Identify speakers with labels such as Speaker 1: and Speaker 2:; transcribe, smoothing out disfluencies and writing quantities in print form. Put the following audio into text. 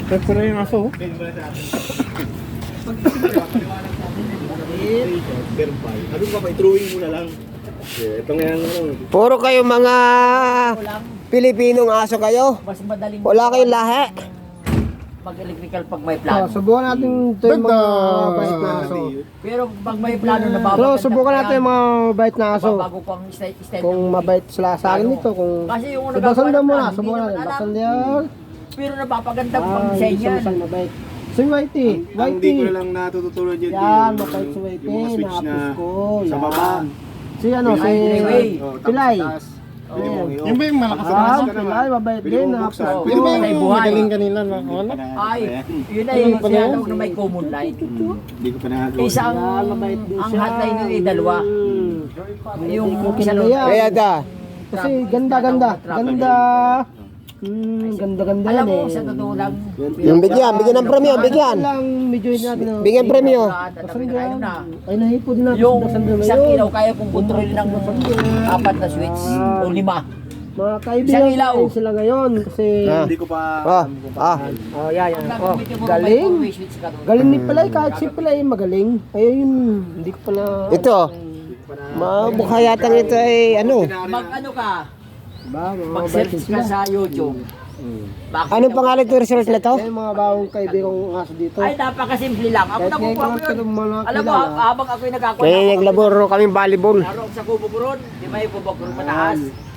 Speaker 1: Ito na yung aso.
Speaker 2: Ano ka pa, i-drawing mo na lang. Ito nga yung ano.
Speaker 3: Puro kayo mga Pilipinong aso kayo.
Speaker 4: Mas madaling
Speaker 3: Wala kayong lahi.
Speaker 4: mag-electrical pag may plano.
Speaker 1: Subukan natin ito yung mga bait na aso.
Speaker 4: Pero pag may plano na bago.
Speaker 1: Pero subukan natin yung mga bait na aso.
Speaker 4: Bago ko ang style.
Speaker 1: Kung mabait sila sa akin nito. Kung
Speaker 4: Kasi yung
Speaker 1: baksan na muna.
Speaker 4: hindi
Speaker 1: Subukan
Speaker 4: naman
Speaker 1: natin.
Speaker 4: alam.
Speaker 1: Baksan yan.
Speaker 4: Pero napapaganda ko pang
Speaker 1: Ah,
Speaker 4: design
Speaker 1: hindi
Speaker 4: yan.
Speaker 1: siya mabait. Si Whitey.
Speaker 2: Ang hindi ko na
Speaker 1: Whitey.
Speaker 2: lang natututunan dyan.
Speaker 1: Yan, mabait si Whitey.
Speaker 2: Yung mga switch na
Speaker 1: Nakapos ko.
Speaker 2: sa baba.
Speaker 1: Si ano, si
Speaker 4: Pilay.
Speaker 1: Pilay.
Speaker 2: Pwede mong i-off.
Speaker 1: Yung ba yung malakas
Speaker 2: Nakataas
Speaker 1: na
Speaker 2: ka naman.
Speaker 1: Pilay, mabait
Speaker 2: Pwede
Speaker 1: din.
Speaker 2: mong
Speaker 1: Nakapos
Speaker 2: buksan.
Speaker 1: ko.
Speaker 2: Pwede ba
Speaker 4: May
Speaker 2: yung
Speaker 4: buhay.
Speaker 1: Magaling kanila na.
Speaker 4: Ay, yun na yung sinatawag na may common light.
Speaker 2: Hindi ko pa nagawa.
Speaker 4: Isang,
Speaker 1: Yan, mabait din
Speaker 4: ang
Speaker 1: siya.
Speaker 4: hotline nyo ay dalawa. Yung
Speaker 1: Okay
Speaker 4: isa
Speaker 1: na
Speaker 4: nun,
Speaker 1: yan.
Speaker 3: Kaya da.
Speaker 1: Kasi ganda. Ganda. Ganda
Speaker 4: alam
Speaker 1: yan
Speaker 4: mo,
Speaker 1: eh.
Speaker 4: sa totoo lang,
Speaker 3: Yung bigyan ng premyo, bigyan.
Speaker 1: Lang, medyo yun natin.
Speaker 3: Bigyan premyo.
Speaker 4: ayun na.
Speaker 1: Ay, nahipo din natin.
Speaker 4: Yung
Speaker 1: Dasan din
Speaker 4: isang
Speaker 1: ngayon.
Speaker 4: ilaw, kaya kong kontrolin ng 4 na switch o 5.
Speaker 1: Mga kaibigan
Speaker 4: Isang ilaw.
Speaker 1: ko sila ngayon. Kasi,
Speaker 2: Hindi ko pa
Speaker 3: Ah,
Speaker 2: alam kung
Speaker 3: ah.
Speaker 2: paano.
Speaker 1: oh, yan.
Speaker 4: Ang
Speaker 1: Oh,
Speaker 4: gagamitin mo
Speaker 1: galing.
Speaker 4: may switch ka doon.
Speaker 1: Galing ni Pilay, kahit si Pilay magaling. Ayun, hindi ko pala...
Speaker 3: Ito. Mukha yatang ito ay ano.
Speaker 4: Mag ano ka,
Speaker 1: Ba, mga
Speaker 4: mag-search
Speaker 1: bait
Speaker 4: ka
Speaker 1: sila.
Speaker 4: sa YouTube. Bakit
Speaker 3: Anong pangalan ng resort na to?
Speaker 1: Yan mga bagong kaibigan kong aso dito.
Speaker 4: Ay, napakasimple lang. Ako
Speaker 1: Kahit ngayon
Speaker 4: nakukuha
Speaker 1: ko
Speaker 4: ko yun.
Speaker 1: lang mga
Speaker 4: Alam mo,
Speaker 1: kilala.
Speaker 4: habang ako'y nagkakuha
Speaker 3: Kaya yung labor kaming volleyball.
Speaker 4: laro ako sa kubo ko ron, di ba yung kubo ko ron mataas?